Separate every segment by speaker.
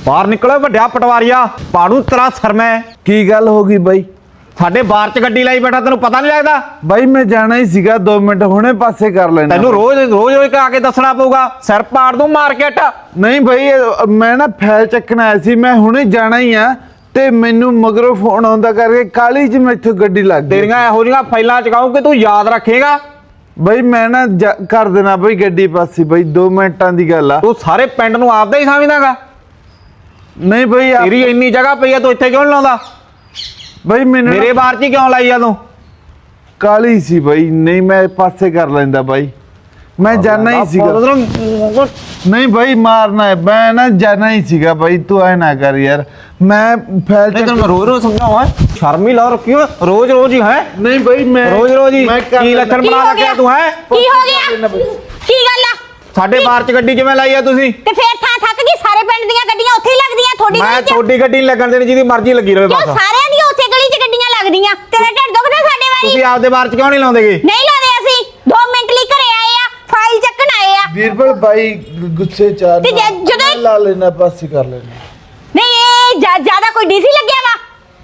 Speaker 1: बाहर निकलो वड्या पटवारिया पाड़ू तेरा सर में
Speaker 2: की गल हो गई बाई
Speaker 1: साडे बार च गड्डी लाई बैठा तेनू पता नहीं लगदा
Speaker 2: बाई मैं जाना ही सीगा 2 मिनट हुणे पासे कर लेना
Speaker 1: तेनू रोज रोज रोज आके दसना पऊगा सिर पाड़ दूं मार्केट
Speaker 2: नहीं भाई मैं ना फैल चकना आया सी मैं हुणे जाना ही आ ते मैनू मगरों फोन आउंदा करके काली च मैथों गड्डी लग गई
Speaker 1: तेरियां इहो जिहियां फाइलां चकाऊं कि तू याद रखेगा
Speaker 2: भाई मैं ना कर देना भाई गड्डी पासे भाई 2 मिनटां दी गल आ
Speaker 1: तू सारे पिंड नूं आपदा ही समझदागा
Speaker 2: नहीं भाई
Speaker 1: तेरी इन्नी जगह पई आ तू इत्थे क्यों नहीं लाउंदा
Speaker 2: भाई मैंने
Speaker 1: मेरे बार च क्यों लाई आ तू
Speaker 2: काली सी भाई नहीं मैं पासे कर लेंदा भाई मैं जाना ही सीगा नहीं भाई मारना है मैं ना जाना ही सीगा भाई तू ऐ ना कर यार मैं फैल
Speaker 1: नहीं तेरे रोज रोज समझाऊं है शर्म ही ला रखी हो रोज रोज ही है
Speaker 2: नहीं भाई मैं
Speaker 1: रोज ही की लक्षण बना रखिया तू है
Speaker 3: की हो गया की गल आ
Speaker 1: साडे बार च गड्डी किवें लाई आ तुसी
Speaker 3: ते फिर थां थक गई सारे पिंड ਦੀਆਂ ਗੱਡੀਆਂ ਉੱਥੇ ਹੀ ਲੱਗਦੀਆਂ ਥੋੜੀ
Speaker 1: मैं थोड़ी गड्डी नहीं लगन देनी जिदी मर्जी लगी रहे बस
Speaker 3: ਸਾਰਿਆਂ ਦੀਆਂ ਉਸੇ ਗਲੀ 'ਚ ਗੱਡੀਆਂ ਲੱਗਦੀਆਂ ਤੇਰਾ ਢਿੱਡ ਦੁਖਦਾ ਸਾਡੇ ਵਾਰੀ
Speaker 1: ਤੁਸੀਂ ਆਪਦੇ ਬਾਰ ਚ ਕਿਉਂ ਨਹੀਂ ਲਾਉਂਦੇਗੇ
Speaker 3: ਨਹੀਂ ਲਾਉਂਦੇ ਅਸੀਂ 2 ਮਿੰਟ ਲਈ ਘਰੇ ਆਏ ਆ ਫਾਈਲ ਚੱਕਣ ਆਏ ਆ
Speaker 2: बीरबल भाई गुस्से चार
Speaker 3: ਤੇ ਜਦੋਂ
Speaker 2: ला लेना पासे कर लेना
Speaker 3: ਨਹੀਂ ਇਹ ਜ਼ਿਆਦਾ ਕੋਈ ਡੀਸੀ ਲੱਗਿਆ ਵਾ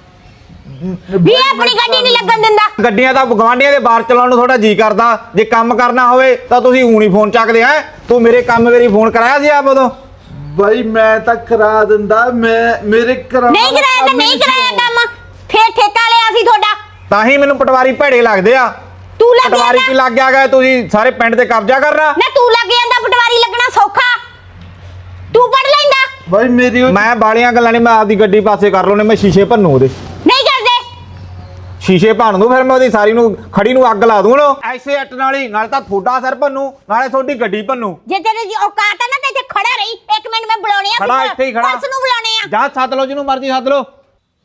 Speaker 3: ਵੀ ਆਪਣੀ ਗੱਡੀ ਨਹੀਂ ਲੱਗਣ ਦਿੰਦਾ
Speaker 1: ਗੱਡੀਆਂ ਤਾਂ ਗਵਾਂਡੀਆਂ ਦੇ ਬਾਰ ਚਲਾਉਣ ਨੂੰ ਥੋੜਾ ਜੀ ਕਰਦਾ ਜੇ ਕੰਮ ਕਰਨਾ ਹੋਵੇ ਤਾਂ ਤੁਸੀਂ ਊਣੀ ਫੋਨ ਚੱਕਦੇ ਆ ਤੂੰ ਮੇਰੇ ਕੰਮ ਵੇਰੀ ਫੋਨ ਕਰਾਇਆ ਸੀ ਆਪ ਉਦੋਂ
Speaker 2: भाई मैं तो करा दिंदा मैं मेरे करा
Speaker 3: ਨਹੀਂ ਕਰਾਇਆ ਤਾਂ ਨਹੀਂ ਕਰਾਇਆ ਕੰਮ ਫੇਰ ਠੇਕਾ ਲਿਆ ਸੀ ਤੁਹਾਡਾ
Speaker 1: ਤਾਂ ਹੀ ਮੈਨੂੰ ਪਟਵਾਰੀ ਭੇੜੇ ਲੱਗਦੇ ਆ
Speaker 3: ਤੂੰ ਲੱਗ
Speaker 1: ਪਟਵਾਰੀ ਕੀ ਲੱਗ ਗਿਆ ਤੁਸੀਂ ਸਾਰੇ ਪਿੰਡ ਤੇ ਕਬਜ਼ਾ ਕਰਨਾ
Speaker 3: ਨਾ ਤੂੰ ਲੱਗ ਜਾਂਦਾ ਪਟਵਾਰੀ ਲੱਗਣਾ ਸੌਖਾ ਤੂੰ ਪੜ ਲੈਂਦਾ
Speaker 2: भाई मेरी
Speaker 1: ਮੈਂ ਬਾਲੀਆਂ ਗੱਲਾਂ ਨਹੀਂ ਮੈਂ ਆਪਦੀ ਗੱਡੀ ਪਾਸੇ ਕਰ ਲਉਨੇ ਮੈਂ ਸ਼ੀਸ਼ੇ ਭੰਨੂ ਉਹਦੇ
Speaker 3: ਨਹੀਂ ਕਰਦੇ
Speaker 1: ਸ਼ੀਸ਼ੇ ਭੰਨ ਦੂੰ ਫਿਰ ਮੈਂ ਉਹਦੀ ਸਾਰੀ ਨੂੰ ਖੜੀ ਨੂੰ ਅੱਗ ਲਾ ਦੂੰ ਨਾ ਐਸੇ ਅੱਟ ਨਾਲ ਤਾਂ ਤੁਹਾਡਾ ਸਿਰ ਭੰਨੂ ਨਾਲੇ ਤੁਹਾਡੀ ਗੱਡੀ ਭੰਨੂ
Speaker 3: ਜੇ ਤੇਰੇ ਜੀ ਔਕਾਤ ਹੈ ਨਾ ਤੇ ਇੱਥੇ ਖੜਾ ਰਹੀ 1 ਮਿੰਟ ਮੈਂ ਬੁਲਾਉਣੇ ਆ
Speaker 1: ਖੜਾ ਇੱਥੇ ਹੀ ਖੜਾ
Speaker 3: ਪੁਲਿਸ ਨੂੰ ਬੁਲਾਉਣੇ ਆ
Speaker 1: ਜਾ ਸੱਦ ਲਓ ਜਿਹਨੂੰ ਮਰਜ਼ੀ ਸੱਦ ਲਓ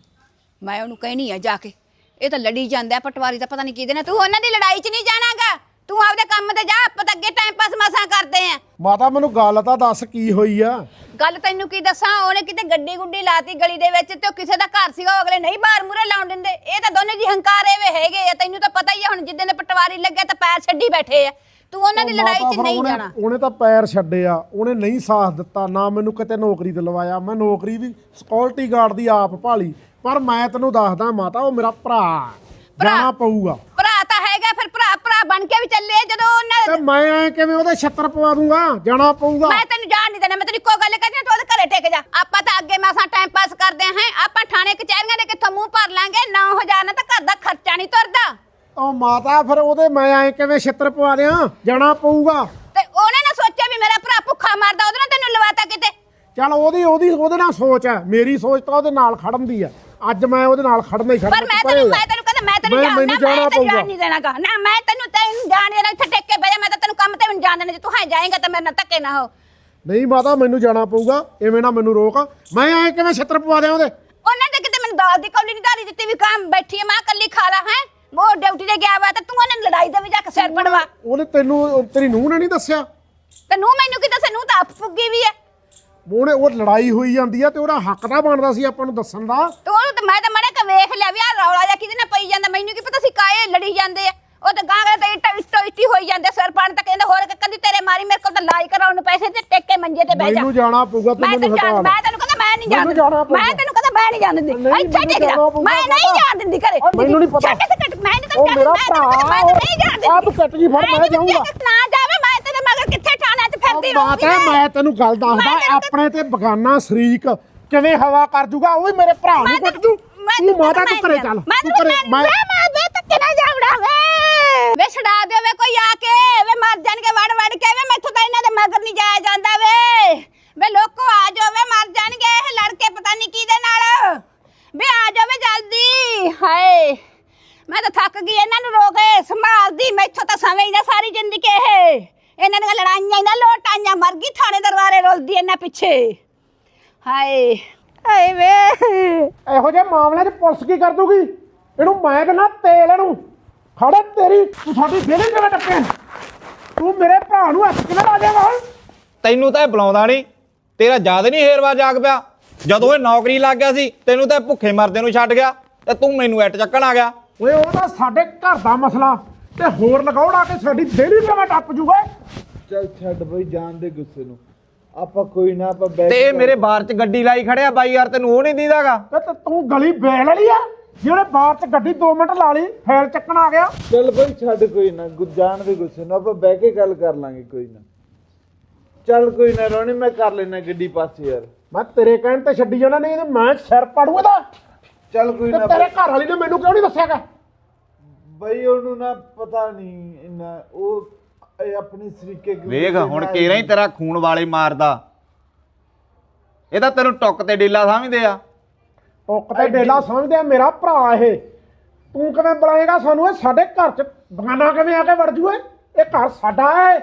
Speaker 4: ਮੈਂ ਉਹਨੂੰ ਕਹਿਣੀ ਆ ਜਾ ਕੇ ਇਹ ਤਾਂ ਲੜੀ ਜਾਂਦਾ ਪਟਵਾਰੀ ਦਾ ਪਤਾ ਨਹੀਂ ਕਿਹਦੇ ਨਾਲ ਤੂੰ ਉਹਨਾਂ ਦੀ ਲੜਾਈ 'ਚ ਨਹੀਂ ਜਾਣਾਗਾ ਤੂੰ ਆਪਦੇ ਕੰਮ ਤੇ ਜਾ ਆਪਾਂ ਤਾਂ ਅੱਗੇ ਟਾਈਮ ਪਾਸ ਮਸਾਂ ਕਰਦੇ ਆ
Speaker 5: ਮਾਤਾ ਮੈਨੂੰ ਗੱਲ ਤਾਂ ਦੱਸ ਕੀ ਹੋਈ ਆ
Speaker 4: ਗੱਲ ਤੈਨੂੰ ਕੀ ਦੱਸਾਂ ਉਹਨੇ ਕਿਤੇ ਗੱਡੀ ਗੁੱਡੀ ਲਾਤੀ ਗਲੀ ਦੇ ਵਿੱਚ ਤੇ ਉਹ ਕਿਸੇ ਦਾ ਘਰ ਸੀਗਾ ਉਹ ਅਗਲੇ ਨਹੀਂ ਬਾਹਰ ਮੂਰੇ ਲਾਉਣ ਦਿੰਦੇ ਇਹ ਤਾਂ ਦੋਨੇ ਜੀ ਹੰਕਾਰੇ ਵੇ ਹੈਗੇ ਆ ਤੈਨੂੰ ਤਾਂ ਪਤਾ ਹੀ ਆ ਹੁਣ ਜਿੱਦਾਂ ਦੇ ਪਟਵਾਰੀ ਲੱਗਿਆ ਤਾਂ ਪੈਰ ਛੱਡੀ ਬੈਠੇ ਆ ਤੂੰ ਉਹਨਾਂ ਦੀ ਲੜਾਈ 'ਚ ਨਹੀਂ ਜਾਣਾ
Speaker 5: ਉਹਨੇ ਤਾਂ ਪੈਰ ਛੱਡੇ ਆ ਉਹਨੇ ਨਹੀਂ ਸਾਥ ਦਿੱਤਾ ਨਾ ਮੈਨੂੰ ਕਿਤੇ ਨੌਕਰੀ ਦਿਲਵਾਇਆ ਮੈਂ ਨੌਕਰੀ ਵੀ ਸਿਕਿਉਰਿਟੀ ਗਾਰਡ ਦੀ ਆਪ ਭਾਲੀ ਪਰ ਮੈਂ ਤੈਨੂੰ ਦੱਸਦਾ ਮਾਤਾ ਉਹ ਮੇਰਾ ਭਰਾ ਜਾਣਾ ਪਊਗਾ
Speaker 4: ਭਰਾ ਤਾਂ ਹੈਗਾ ਫਿਰ ਭਰਾ ਬਣ ਕੇ ਵੀ ਚੱਲੇ ਜਦੋਂ ਉਹਨਾਂ
Speaker 5: ਤੇ ਮੈਂ ਐ ਕਿਵੇਂ ਉਹਦੇ ਛੱਤਰ ਪਵਾ ਦੂੰਗਾ ਜਾਣਾ ਪਊਗਾ
Speaker 4: ਮੈਂ ਤੈਨੂੰ ਜਾਣ ਨਹੀਂ ਦੇਣਾ ਮੈਂ ਤੈਨੂੰ ਇੱਕੋ ਗੱਲ ਕਹਿੰਦੀ ਤੂੰ ਉਹਦੇ ਘਰੇ ਟਿਕ ਜਾ ਆਪਾਂ ਤਾਂ ਅੱਗੇ ਮਾਸਾਂ ਟਾਈਮ ਪਾਸ ਕਰਦੇ ਹਾਂ ਆਪਾਂ ਥਾਣੇ ਕਚਹਿਰੀਆਂ ਦੇ ਕਿੱਥੋਂ ਮੂੰਹ ਭਰ ਲਾਂਗੇ 9000 ਨਾਲ ਤਾਂ ਘਰ ਦਾ ਖਰਚਾ ਨਹੀਂ ਤੁਰਦਾ
Speaker 5: ਉਹ ਮਾਤਾ ਫਿਰ ਉਹਦੇ ਮੈਂ ਐ ਕਿਵੇਂ ਛੱਤਰ ਪਵਾ ਦਿਆਂ ਜਾਣਾ ਪਊਗਾ
Speaker 4: ਤੇ ਉਹਨੇ ਨਾ ਸੋਚਿਆ ਵੀ ਮੇਰਾ ਭਰਾ ਭੁੱਖਾ ਮਰਦਾ ਉਹਦੇ ਨਾਲ ਤੈਨੂੰ ਲਵਾਤਾ ਕਿਤੇ
Speaker 5: ਚੱਲ ਉਹਦੇ ਨਾਲ ਸੋਚ ਹੈ ਮੇਰੀ ਸੋਚ ਤਾਂ ਉਹਦੇ ਨਾਲ ਖੜਨ ਦੀ ਆ ਅੱਜ ਮੈਂ ਉਹਦੇ ਨਾਲ ਖੜਨਾ ਹੀ ਖੜਨਾ
Speaker 4: ਪਰ ਮੈਂ ਤੈਨੂੰ ਕਹਿੰਦਾ ਮੈਂ ਤੈਨੂੰ ਜਾਣ ਨਹੀਂ ਦੇਣਾਗਾ ਨਾ ਮੈਂ ਤੈਨੂੰ ਜਾਣ ਦੇਣਾ ਇੱਥੇ ਟਿਕ ਕੇ ਬਹਿ ਜਾ ਮੈਂ ਤਾਂ ਤੈਨੂੰ ਕੰਮ ਤੇ ਵੀ ਨਹੀਂ ਜਾਣ ਦੇਣਾ ਜੇ ਤੂੰ ਹੈ ਜਾਏਂਗਾ ਤਾਂ ਮੇਰੇ ਨਾਲ ਧੱਕੇ ਨਾ ਹੋ
Speaker 5: ਨਹੀਂ ਮਾਤਾ ਮੈਨੂੰ ਜਾਣਾ ਪਊਗਾ ਐਵੇਂ ਨਾ ਮੈਨੂੰ ਰੋਕ ਮੈਂ ਐ ਕਿਵੇਂ ਛੱਤਰ ਪਵਾ ਦਿਆਂ ਉਹਦੇ
Speaker 4: ਉਹਨਾਂ ਨੇ ਕਿਤੇ ਮੈਨੂੰ ਦਾਲ ਦੀ ਕੌਲੀ ਨਹੀਂ ਧਾਰੀ ਦਿੱਤੀ ਵੀ ਕੰਮ ਬੈਠੀ ਆ ਮੈਂ ਕੱਲੀ ਖਾ ਲਾ ਹੈ ਉਹ ਡਿਊਟੀ ਤੇ ਗਿਆ ਵਾ ਤਾਂ ਤੂੰ ਉਹਨਾਂ ਲੜਾਈ ਦੇ ਵੀ ਜਾ ਕੇ ਸਿਰ ਪੜਵਾ
Speaker 5: ਉਹਨੇ ਤੇਰੀ ਨੂੰਹ ਨੇ ਨਹੀਂ ਦੱਸਿਆ
Speaker 4: ਤੇ ਨੂੰ ਮੈਨੂੰ ਕੀ ਦੱਸੇ ਨੂੰ ਤਾਂ ਆਪ ਫੁੱਗੀ ਵੀ ਹੈ
Speaker 5: ਉਹ ਲੜਾਈ ਹੋਈ ਜਾਂਦੀ ਆ ਤੇ ਉਹਦਾ ਹੱਕ ਤਾਂ ਬਣਦਾ ਸੀ ਆਪਾਂ ਨੂੰ ਦੱਸਣ ਦਾ
Speaker 4: ਤੇ ਉਹ ਤਾਂ ਮੈਂ ਤਾਂ ਮੜੇ ਕੇ ਵੇਖ ਲਿਆ ਵੀ ਆ ਰੌਲਾ ਜਾਂ ਕਿਹਦੇ ਨਾਲ ਪਈ ਜਾਂਦਾ ਮੈਨੂੰ ਕੀ ਪਤਾ ਸੀ ਕਾਏ ਲੜੀ ਜਾਂਦੇ ਆ ਉਹ ਤਾਂ ਗਾਂ ਤੇ ਇੱਟੋ ਹੋਈ ਜਾਂਦੇ ਸਿਰ ਪਾਣ ਤਾਂ ਕਹਿੰਦਾ ਹੋਰ ਕਦੀ ਤੇਰੇ ਮਾਰੀ ਮੇਰੇ ਕੋਲ ਤਾਂ ਲਾਈ ਕਰਾਉਣ ਨੂੰ ਪੈਸੇ ਤੇ ਟਿੱਕ ਕੇ ਮੰਜੇ ਤੇ ਬਹਿ ਜਾ
Speaker 5: ਮੈਨੂੰ ਜਾਣਾ ਪਊਗਾ ਤੂੰ ਮੈਨੂੰ ਹਟਾ
Speaker 4: ਮੈਂ ਤੈਨੂੰ ਕਹਿੰਦਾ ਮੈਂ ਨਹੀਂ ਜਾਣ ਮੈਂ ਤੈਨੂੰ ਕਹਿੰਦਾ ਮੈਂ ਨਹੀਂ ਜਾਣ ਦਿੰਦੀ ਇੱਥੇ ਟਿਕ ਜਾ ਮੈਂ ਨਹੀਂ ਜਾਣ ਦਿੰਦੀ ਘਰੇ
Speaker 5: ਮੈਨੂੰ ਨਹੀਂ ਪਤਾ
Speaker 4: ਮੈਂ ਨਹੀਂ
Speaker 5: ਮੇਰਾ ਭਰਾ
Speaker 4: ਮੈਂ ਨਹੀਂ ਜਾਣ ਦਿੰਦੀ
Speaker 5: ਆਪ ਕੱਟ ਜੀ ਫੜ ਮੈਂ ਜਾਊਂਗਾ
Speaker 4: ਨਾ ਜਾਵੇ ਮੈਂ ਤੇਰੇ ਮਗਰ ਕਿੱਥੇ ਠਾਣਾ ਤੇ ਫਿਰਦੀ ਰਹੂੰਗੀ
Speaker 5: ਮਾਤਾ ਮੈਂ ਤੈਨੂੰ ਗੱਲ ਦੱਸਦਾ ਆਪਣੇ ਤੇ ਬਗਾਨਾ ਸ਼ਰੀਕ ਕਿਵੇਂ ਹਵਾ ਕਰ ਜੂਗਾ ਉਹ ਵੀ ਮੇਰੇ ਭਰਾ ਨੂੰ ਕੁੱਟ ਜੂ ਤੂੰ ਮਾਤਾ ਤੂੰ ਘਰੇ ਚੱਲ ਤੂੰ ਘਰੇ
Speaker 4: ਮੈਂ ਧੱਕੇ ਨਾ ਜਾਵੜਾ ਵੇ ਛਡਾ ਦਿਓ ਵੇ ਕੋਈ ਆ ਕੇ ਵੇ ਮਰ ਜਾਣਗੇ ਵੜ ਕੇ ਵੇ ਮੈਥੋਂ ਤਾਂ ਇਹਨਾਂ ਦੇ ਮਗਰ ਨਹੀਂ ਜਾਇਆ ਜਾਂਦਾ ਵੇ ਲੋਕੋ ਆ ਜਾਓ ਵੇ ਮਰ ਜਾਣਗੇ ਇਹ ਲੜਕੇ ਪਤਾ ਨਹੀਂ ਕਿਹਦੇ ਨਾਲ ਵੇ ਆ ਜਾਓ ਵੇ ਜਲਦੀ ਹਾਏ ਮੈਂ ਤਾਂ ਥੱਕ ਗਈ ਇਹਨਾਂ ਨੂੰ ਰੋਕੇ ਸੰਭਾਲਦੀ ਮੈਥੋਂ ਤਾਂ ਸਮਝ ਨਾ ਸਾਰੀ ਜ਼ਿੰਦਗੀ ਇਹਨਾਂ ਦੀਆਂ ਲੜਾਈਆਂ ਨਾ ਲੋਟਾਈਆਂ ਮਰ ਗਈ ਥਾਣੇ ਦਰਬਾਰੇ ਰੁਲਦੀ ਇਹਨਾਂ ਪਿੱਛੇ ਹਾਏ ਹਾਏ ਵੇ
Speaker 5: ਇਹੋ ਜਿਹੇ ਮਾਮਲਿਆਂ 'ਚ ਪੁਲਿਸ ਕੀ ਕਰ ਦੂਗੀ ਇਹਨੂੰ ਮੈਂ ਕਹਿੰਦਾ ਤੇਲ ਇਹਨੂੰ ਖੜੇ ਤੇਰੀ ਤੂੰ ਸਾਡੀ ਬੇਲੇ ਕਿਵੇਂ ਟੱਪਿਆ ਤੂੰ ਮੇਰੇ ਭਰਾ ਨੂੰ ਹੱਥ ਕਿਵੇਂ ਲਾ ਦੇਗਾ ਹੁਣ
Speaker 1: ਤੈਨੂੰ ਤਾਂ ਇਹ ਬੁਲਾਉਂਦਾ ਨਹੀਂ ਤੇਰਾ ਯਾਦ ਨਹੀਂ ਹੇਰਵਾ ਜਾਗ ਪਿਆ ਜਦੋਂ ਇਹ ਨੌਕਰੀ ਲੱਗ ਗਿਆ ਸੀ ਤੈਨੂੰ ਤਾਂ ਭੁੱਖੇ ਮਰਦੇ ਨੂੰ ਛੱਡ ਗਿਆ ਤੇ ਤੂੰ ਮੈਨੂੰ ਇੱਟ ਚੱਕਣ ਆ ਗਿਆ
Speaker 5: ਓਏ ਉਹ ਤਾਂ ਸਾਡੇ ਘਰ ਦਾ ਮਸਲਾ ਤੇ ਹੋਰ ਲਗਾਉਣਾ ਕਿ ਸਾਡੀ ਬੇਲੀ ਕਿਵੇਂ ਟੱਪ ਜੂਗਾ
Speaker 2: ਚੱਲ ਛੱਡ ਬਈ ਜਾਣ ਦੇ ਗੁੱਸੇ ਨੂੰ ਆਪਾਂ ਕੋਈ ਨਾ ਆਪਾਂ ਬੈਠ
Speaker 1: ਤੇ ਇਹ ਮੇਰੇ ਬਾਰ 'ਚ ਗੱਡੀ ਲਾਈ ਖੜਿਆ ਬਾਈ ਯਾਰ, ਤੈਨੂੰ ਉਹ ਨਹੀਂ ਦੀਦਾਗਾ?
Speaker 5: ਤੇ ਤੂੰ ਗਲੀ ਵੇਲ ਵਾਲੀ ਆ ਜਿਹੜੇ ਬਾਹਰ ਚ ਗੱਡੀ 2 ਮਿੰਟ ਲਾ ਲਈ ਫੇਰ ਚੱਕਣ ਆ ਗਿਆ।
Speaker 2: ਚੱਲ ਬਈ ਛੱਡ, ਕੋਈ ਨਾ ਜਾਣ ਦੇ ਗੁੱਸੇ ਨੂੰ, ਆਪਾਂ ਬਹਿ ਕੇ ਗੱਲ ਕਰ ਲਾਂਗੇ ਕੋਈ ਨਾ। ਚੱਲ ਕੋਈ ਨਾ ਰੋਣੀ, ਮੈਂ ਕਰ ਲੈਣਾ ਗੱਡੀ ਪਾਸੇ ਯਾਰ।
Speaker 5: ਮੈਂ ਤੇਰੇ ਕਹਿਣ ਤੇ ਛੱਡੀ ਜਾਣਾ, ਨਹੀਂ ਤੇ ਮੈਂ ਸਿਰ ਪਾੜੂ ਇਹਦਾ।
Speaker 2: ਚੱਲ ਕੋਈ
Speaker 5: ਤੇ
Speaker 2: ਨਾ
Speaker 5: ਤੇਰੇ ਘਰ ਵਾਲੀ ਨੇ ਮੈਨੂੰ ਕਿਉਂ ਨਹੀਂ ਦੱਸਿਆਗਾ?
Speaker 2: ਬਈ ਉਹਨੂੰ ਨਾ ਪਤਾ ਨਹੀਂ ਇੰਨਾ, ਉਹ ਇਹ ਆਪਣੀ ਸਰੀਕੇ
Speaker 1: ਵੇਖ ਹੁਣ ਕੇਰਾ ਹੀ ਤੇਰਾ ਖੂਨ ਵਾਲੇ ਮਾਰਦਾ। ਇਹ ਤਾਂ ਤੈਨੂੰ ਟੁੱਕ ਤੇ ਡੇਲਾ ਸਮਝਦੇ ਆ।
Speaker 5: ਟੁੱਕ ਤੇ ਡੇਲਾ ਸਮਝਦੇ ਆ, ਮੇਰਾ ਭਰਾ ਇਹ। ਤੂੰ ਕਿਵੇਂ ਬੁਲਾਏਗਾ ਸਾਨੂੰ? ਇਹ ਸਾਡੇ ਘਰ ਚ ਬਗਾਨਾ ਕਿਵੇਂ ਆ ਕੇ ਵੜ ਜੂ? ਇਹ ਘਰ ਸਾਡਾ ਹੈ।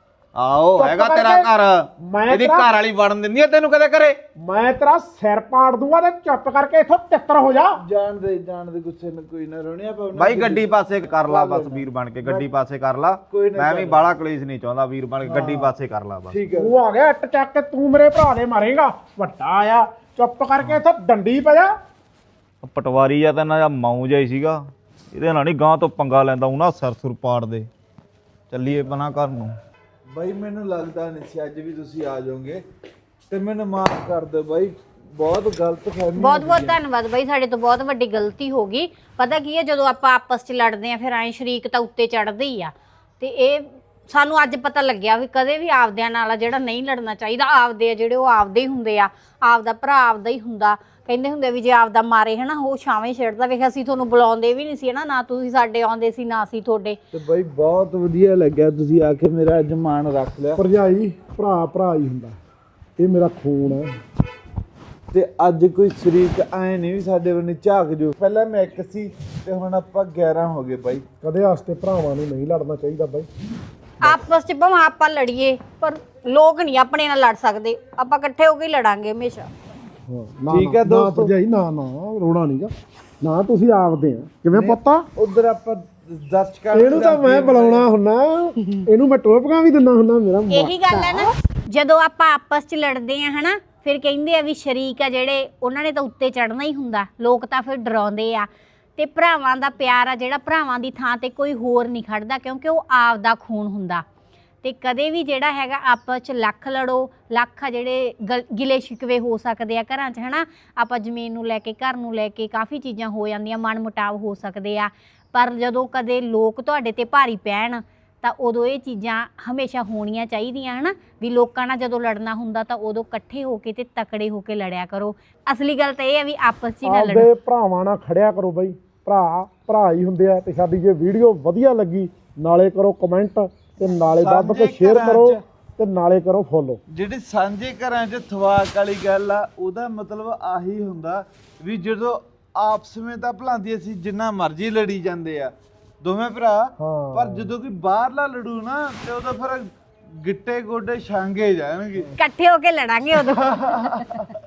Speaker 1: ਆਓ
Speaker 5: ਚੁੱਪ
Speaker 1: ਹੈਗਾ ਤੇਰਾ
Speaker 5: ਕਰਕੇ
Speaker 1: ਘਰ,
Speaker 5: ਮੈਂ
Speaker 1: ਇਹਦੀ
Speaker 5: ਤੇਰਾ-
Speaker 1: ਘਰ ਵਾਲੀ ਵੜਨ ਦਿੰਦੀ ਆ ਤੈਨੂੰ ਕਦੇ ਘਰੇ?
Speaker 5: ਮੈਂ ਤੇਰਾ ਸਿਰ ਪਾੜ ਦੂੰਗਾ ਤੇ ਚੁੱਪ ਕਰਕੇ ਇੱਥੋਂ ਤਿੱਤਰ ਹੋ ਜਾ।
Speaker 2: ਜਾਣ ਦੇ ਗੁੱਸੇ ਨੂੰ, ਕੋਈ ਨਾ ਰੋਣੀ ਆਪਾਂ
Speaker 1: ਬਾਈ ਗੱਡੀ ਪਾਸੇ ਕਰ ਲਾ ਬਸ, ਵੀਰ ਬਣ ਕੇ ਗੱਡੀ ਪਾਸੇ ਕਰ ਲਾ।
Speaker 2: ਕੋਈ ਨਾ
Speaker 1: ਮੈਂ ਵੀ ਬਾਹਲਾ ਕਲੇਸ਼ ਨਹੀਂ ਚਾਹੁੰਦਾ, ਵੀਰ ਬਣ ਕੇ ਗੱਡੀ ਪਾਸੇ ਕਰ ਲਾ ਬਸ।
Speaker 2: ਠੀਕ ਹੈ।
Speaker 5: ਤੂੰ ਆ ਗਿਆ ਇੱਟ ਚੱਕ ਕੇ, ਤੂੰ ਮੇਰੇ ਭਰਾ ਦੇ ਮਾਰੇਗਾ। ਵੱਡਾ ਆ, ਚੁੱਪ ਕਰਕੇ ਇੱਥੋਂ ਡੰਡੀ ਪੈ ਜਾ।
Speaker 1: ਪਟਵਾਰੀ ਆ ਤਾਂ ਨਾ ਮਾਊ ਜਿਹਾ ਹੀ ਸੀਗਾ, ਇਹਦੇ ਨਾਲ ਨਹੀਂ ਗਾਂ ਤੋਂ ਪੰਗਾ ਲੈਂਦਾ, ਉਹਨਾਂ ਸਿਰ ਸੁਰ ਪਾੜ ਦੇ। ਚੱਲੀਏ ਬਣਾ ਘਰ ਨੂੰ।
Speaker 2: ਬਾਈ ਮੈਨੂੰ ਲੱਗਦਾ ਨਹੀਂ ਸੀ ਅੱਜ ਵੀ ਤੁਸੀਂ ਆ ਜਾਓਗੇ, ਤੇ ਮੈਨੂੰ ਮਾਫ ਕਰ ਦਿਓ ਬਾਈ, ਬਹੁਤ ਗਲਤ ਫਹਿਮੀ।
Speaker 3: ਬਹੁਤ ਬਹੁਤ ਧੰਨਵਾਦ ਬਾਈ, ਸਾਡੇ ਤੋਂ ਬਹੁਤ ਵੱਡੀ ਗਲਤੀ ਹੋ ਗਈ। ਪਤਾ ਕੀ ਹੈ, ਜਦੋਂ ਆਪਾਂ ਆਪਸ 'ਚ ਲੜਦੇ ਆ ਫਿਰ ਐਂ ਸ਼ਰੀਕ ਤਾਂ ਉੱਤੇ ਚੜਦੇ ਹੀ ਆ। ਤੇ ਇਹ ਸਾਨੂੰ ਅੱਜ ਪਤਾ ਲੱਗਿਆ ਵੀ ਕਦੇ ਵੀ ਆਪਦਿਆਂ ਨਾਲ ਜਿਹੜਾ ਨਹੀਂ ਲੜਨਾ ਚਾਹੀਦਾ। ਆਪਦੇ ਆ ਜਿਹੜੇ ਉਹ ਆਪਦੇ ਹੀ ਹੁੰਦੇ ਆ, ਆਪਦਾ ਭਰਾ ਆਪਦਾ ਹੀ ਹੁੰਦਾ। ਕਹਿੰਦੇ ਹੁੰਦੇ ਵੀ ਜੇ ਆਪਦਾ ਮਾਰੇ ਹਨਾ ਉਹ ਛਾਵੇਂ ਛੇੜਦਾ। ਵੇਖ ਅਸੀਂ ਤੁਹਾਨੂੰ ਬੁਲਾਉਂਦੇ ਵੀ ਨਹੀਂ ਸੀ ਹਨਾ, ਨਾ ਤੁਸੀਂ ਸਾਡੇ ਆਉਂਦੇ ਸੀ ਨਾ ਅਸੀਂ ਤੁਹਾਡੇ।
Speaker 2: ਤੇ ਬਾਈ ਬਹੁਤ ਵਧੀਆ ਲੱਗਿਆ ਤੁਸੀਂ ਆ ਕੇ ਮੇਰਾ ਅੱਜ ਮਾਣ ਰੱਖ ਲਿਆ।
Speaker 5: ਭਰਜਾਈ ਭਰਾ ਭਰਾ ਹੀ ਹੁੰਦਾ, ਇਹ ਮੇਰਾ ਖੂਨ ਹੈ।
Speaker 2: ਤੇ ਅੱਜ ਕੋਈ ਸ਼ਰੀਕ ਆਏ ਨਹੀਂ ਵੀ ਸਾਡੇ ਵੱਲ ਝਾਕ ਜੋ। ਪਹਿਲਾਂ ਮੈਂ ਇੱਕ ਸੀ ਤੇ ਹੁਣ ਆਪਾਂ 11 ਹੋ ਗਏ ਬਾਈ।
Speaker 5: ਕਦੇ ਵਾਸਤੇ ਭਰਾਵਾਂ ਨੂੰ ਨਹੀਂ ਲੜਨਾ ਚਾਹੀਦਾ ਬਾਈ।
Speaker 3: ਆਪਸ 'ਚ ਭਾਵੇਂ ਆਪਾਂ ਲੜੀਏ ਪਰ ਲੋਕ ਨਹੀਂ ਆਪਣੇ ਨਾਲ ਲੜ ਸਕਦੇ। ਆਪਾਂ ਇਕੱਠੇ ਹੋ ਕੇ ਹੀ ਲੜਾਂਗੇ ਹਮੇਸ਼ਾ।
Speaker 5: ਨਾ
Speaker 2: ਠੀਕ ਹੈ ਦੋਸਤੋ।
Speaker 5: ਭਰਜਾਈ ਨਾ ਰੋਣਾ ਨਹੀਂਗਾ ਨਾ, ਤੁਸੀਂ ਆਪਦੇ ਆ। ਕਿਵੇਂ ਪੁੱਤਾ?
Speaker 2: ਉਧਰ ਆਪਾਂ ਦਰਸ਼ਕਾਂ
Speaker 5: ਇਹਨੂੰ ਤਾਂ ਮੈਂ ਬੁਲਾਉਣਾ ਹੁੰਨਾ, ਇਹਨੂੰ ਮੈਂ ਟੋਪਕਾਂ ਵੀ ਦਿੰਦਾ ਹੁੰਨਾ। ਮੇਰਾ
Speaker 3: ਇਹੀ ਗੱਲ ਹੈ ਨਾ, ਜਦੋਂ ਆਪਾਂ ਆਪਸ 'ਚ ਲੜਦੇ ਆ ਹਨਾ, ਫਿਰ ਕਹਿੰਦੇ ਆ ਵੀ ਸ਼ਰੀਕ ਆ ਜਿਹੜੇ ਉਹਨਾਂ ਨੇ ਤਾਂ ਉੱਤੇ ਚੜਨਾ ਹੀ ਹੁੰਦਾ। ਲੋਕ ਤਾਂ ਫਿਰ ਡਰਾਉਂਦੇ ਆ। ਤੇ ਭਰਾਵਾਂ ਦਾ ਪਿਆਰ ਆ ਜਿਹੜਾ, ਭਰਾਵਾਂ ਦੀ ਥਾਂ ਤੇ ਕੋਈ ਹੋਰ ਨਹੀਂ ਖੜਦਾ, ਕਿਉਂਕਿ ਉਹ ਆਪ ਦਾ ਖੂਨ ਹੁੰਦਾ। ਤੇ ਕਦੇ ਵੀ ਜਿਹੜਾ ਹੈਗਾ ਆਪਸ 'ਚ ਲੱਖ ਲੜੋ, ਲੱਖ ਆ ਜਿਹੜੇ ਗਿਲੇ ਸ਼ਿਕਵੇ ਹੋ ਸਕਦੇ ਆ ਘਰਾਂ 'ਚ ਹਨਾ। ਆਪਾਂ ਜ਼ਮੀਨ ਨੂੰ ਲੈ ਕੇ, ਘਰ ਨੂੰ ਲੈ ਕੇ ਕਾਫੀ ਚੀਜ਼ਾਂ ਹੋ ਜਾਂਦੀਆਂ, ਮਨ ਮੁਟਾਵ ਹੋ ਸਕਦੇ ਆ। ਪਰ ਜਦੋਂ ਕਦੇ ਲੋਕ ਤੁਹਾਡੇ ਤੇ ਭਾਰੀ ਪੈਣ ਤਾਂ ਉਦੋਂ ਇਹ ਚੀਜ਼ਾਂ ਹਮੇਸ਼ਾ ਹੋਣੀਆਂ ਚਾਹੀਦੀਆਂ ਹਨਾ। ਵੀ ਲੋਕਾਂ ਨਾਲ ਜਦੋਂ ਲੜਨਾ ਹੁੰਦਾ ਤਾਂ ਉਦੋਂ ਇਕੱਠੇ ਹੋ ਕੇ ਤੇ ਤਕੜੇ ਹੋ ਕੇ ਲੜਿਆ ਕਰੋ। ਅਸਲੀ ਗੱਲ ਤਾਂ ਇਹ ਹੈ ਵੀ ਆਪਸ 'ਚ ਹੀ ਨਾ ਲੜੋ।
Speaker 5: ਆਪਦੇ ਭਰਾਵਾਂ ਨਾਲ ਖੜਿਆ ਕਰੋ ਬਾਈ। ਭਰਾ ਭਰਾ ਹੀ ਹੁੰਦੇ ਆ। ਤੇ ਸਾਡੀ ਜੇ ਵੀਡੀਓ ਵਧੀਆ ਲੱਗੀ ਨਾਲੇ ਕਰੋ ਕਮੈਂਟ, ਤੇ ਨਾਲੇ ਦੱਬ ਕੇ ਸ਼ੇਅਰ ਕਰੋ, ਤੇ ਨਾਲੇ ਕਰੋ ਫੋਲੋ।
Speaker 2: ਜਿਹੜੀ ਸਾਂਝੇ ਘਰਾਂ 'ਚ ਥਵਾਕ ਵਾਲੀ ਗੱਲ ਆ, ਉਹਦਾ ਮਤਲਬ ਆਹੀ ਹੁੰਦਾ ਵੀ ਜਦੋਂ ਆਪਸ ਵਿੱਚ ਤਾਂ ਭਲਾਂਦੀ ਅਸੀਂ ਜਿੰਨਾ ਮਰਜ਼ੀ ਲੜੀ ਜਾਂਦੇ ਆ ਦੋਵੇਂ ਭਰਾ, ਪਰ ਜਦੋਂ ਕੋਈ ਬਾਹਰਲਾ ਲੜੂ ਨਾ ਤੇ ਉਦੋਂ ਫਿਰ ਗਿੱਟੇ ਗੋਡੇ ਛਾਂਗੇ ਜਾਣਗੇ।
Speaker 3: ਇਕੱਠੇ ਹੋ ਕੇ ਲੜਾਂਗੇ ਉਦੋਂ।